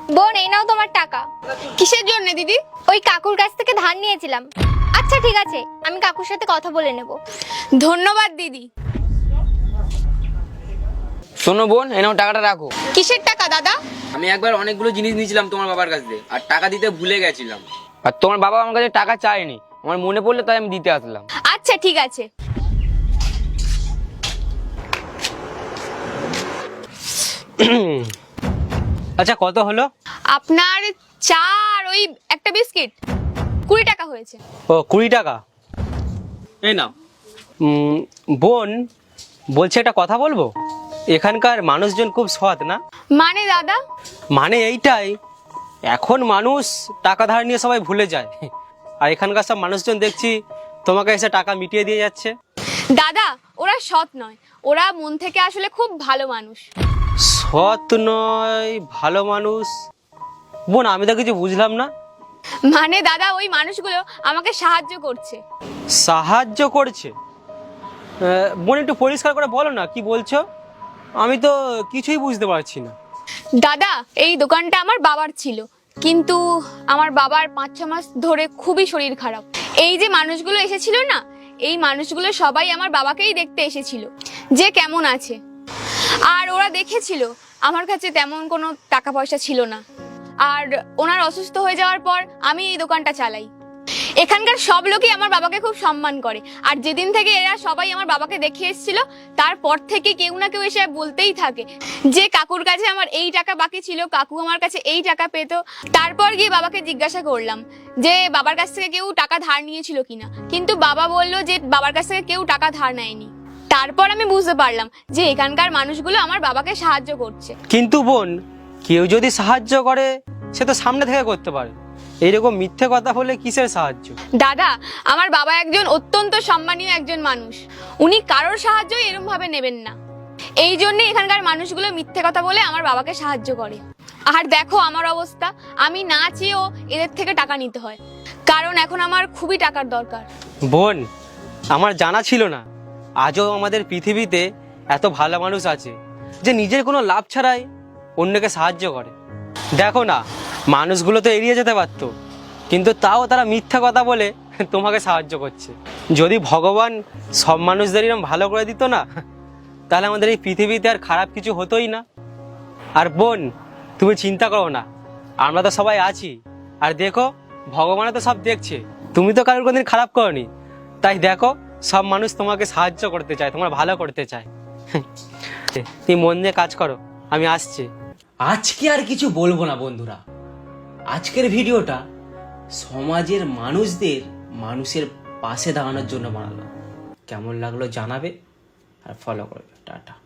বোন, এই নাও তোমার টাকা। কিসের জন্য দিদি? ওই কাকুর কাছ থেকে ধার নিয়েছিলাম। আচ্ছা ঠিক আছে, আমি কাকুর সাথে কথা বলে নেব। ধন্যবাদ দিদি। শোনো বোন, এই নাও টাকাটা রাখো। কিসের টাকা দাদা? আমি একবার অনেকগুলো জিনিস নিয়েছিলাম তোমার বাবার কাছ থেকে, আর টাকা দিতে ভুলে গেছিলাম। আর তোমার বাবা আমার কাছে টাকা চায়নি, আমার মনে পড়লো তাই আমি দিতে আসলাম। আচ্ছা ঠিক আছে। আচ্ছা, কত হলো? আপনার চা আর ওই একটা বিস্কিট 20 টাকা হয়েছে। ও, 20 টাকা। এই নাও। বোন, বলছি একটা কথা বলবো। এখানকার মানুষজন খুব সৎ না? মানে দাদা? মানে এইটাই, এখন মানুষ টাকা ধার নিয়ে সবাই ভুলে যায়, আর এখানকার সব মানুষজন দেখছি তোমাকে এসে টাকা মিটিয়ে দিয়ে যাচ্ছে। দাদা, ওরা সৎ নয়, ওরা মন থেকে আসলে খুব ভালো মানুষ। সৎ নয়, ভালো মানুষ? বোন, আমি তো কিছু বুঝলাম না। মানে দাদা, ওই মানুষগুলো আমাকে সাহায্য করছে। সাহায্য করছে? বোন, একটু পরিষ্কার করে বলো না কি বলছো, আমি তো কিছুই বুঝতে পারছি না। দাদা, এই দোকানটা আমার বাবার ছিল, কিন্তু আমার বাবার 5-6 মাস ধরে খুবই শরীর খারাপ। এই যে মানুষগুলো এসেছিল না, এই মানুষগুলো সবাই আমার বাবাকেই দেখতে এসেছিল যে কেমন আছে। আর ওরা দেখেছিল আমার কাছে তেমন কোনো টাকা পয়সা ছিল না, আর ওনার অসুস্থ হয়ে যাওয়ার পর আমি এই দোকানটা চালাই। এখানকার সব লোকই আমার বাবাকে খুব সম্মান করে, আর যেদিন থেকে এরা সবাই আমার বাবাকে দেখে এসেছিল, তারপর থেকে কেউ না কেউ এসে বলতেই থাকে যে কাকুর কাছে আমার এই টাকা বাকি ছিল, কাকু আমার কাছে এই টাকা পেত। তারপর গিয়ে বাবাকে জিজ্ঞাসা করলাম যে বাবার কাছ থেকে কেউ টাকা ধার নিয়েছিল কিনা, কিন্তু বাবা বলল যে বাবার কাছ থেকে কেউ টাকা ধার নেয়নি। তারপর আমি বুঝতে পারলাম যে এখানকার মানুষগুলো আমার বাবাকে সাহায্য করছে। কিন্তু বোন, কেউ যদি সাহায্য করে সে তো সামনে থেকে করতে পারে, এইরকম মিথ্যে কথা বলে কিসের সাহায্য? দাদা, আমার বাবা একজন অত্যন্ত সম্মানীয় একজন মানুষ, উনি কারোর সাহায্য এরকম ভাবে নেবেন না। এই জন্য এখানকার মানুষগুলো মিথ্যে কথা বলে আমার বাবাকে সাহায্য করে। আর দেখো আমার অবস্থা, আমি না চেয়েও এদের থেকে টাকা নিতে হয়, কারণ এখন আমার খুবই টাকার দরকার। বোন, আমার জানা ছিল না আজও আমাদের পৃথিবীতে এত ভালো মানুষ আছে যে নিজের কোনো লাভ ছাড়াই অন্যকে সাহায্য করে। দেখো না, মানুষগুলো তো এড়িয়ে যেতে পারতো, কিন্তু তাও তারা মিথ্যা কথা বলে তোমাকে সাহায্য করছে। যদি ভগবান সব মানুষদের এরকম ভালো করে দিত না, তাহলে আমাদের এই পৃথিবীতে আর খারাপ কিছু হতোই না। আর বোন, তুমি চিন্তা করো না, আমরা তো সবাই আছি, আর দেখো ভগবান তো সব দেখছে। তুমি তো কারোর কোনদিন খারাপ করনি, তাই দেখো সব মানুষ তোমাকে সাহায্য করতে চায়, তোমার ভালো করতে চায়। তুমি মন দিয়ে কাজ করো, আমি আসছি। আজকে আর কিছু বলবো না বন্ধুরা, আজকের ভিডিওটা সমাজের মানুষের পাশে দাঁড়ানোর জন্য বানালাম। কেমন লাগলো জানাবে আর ফলো করবে। টাটা।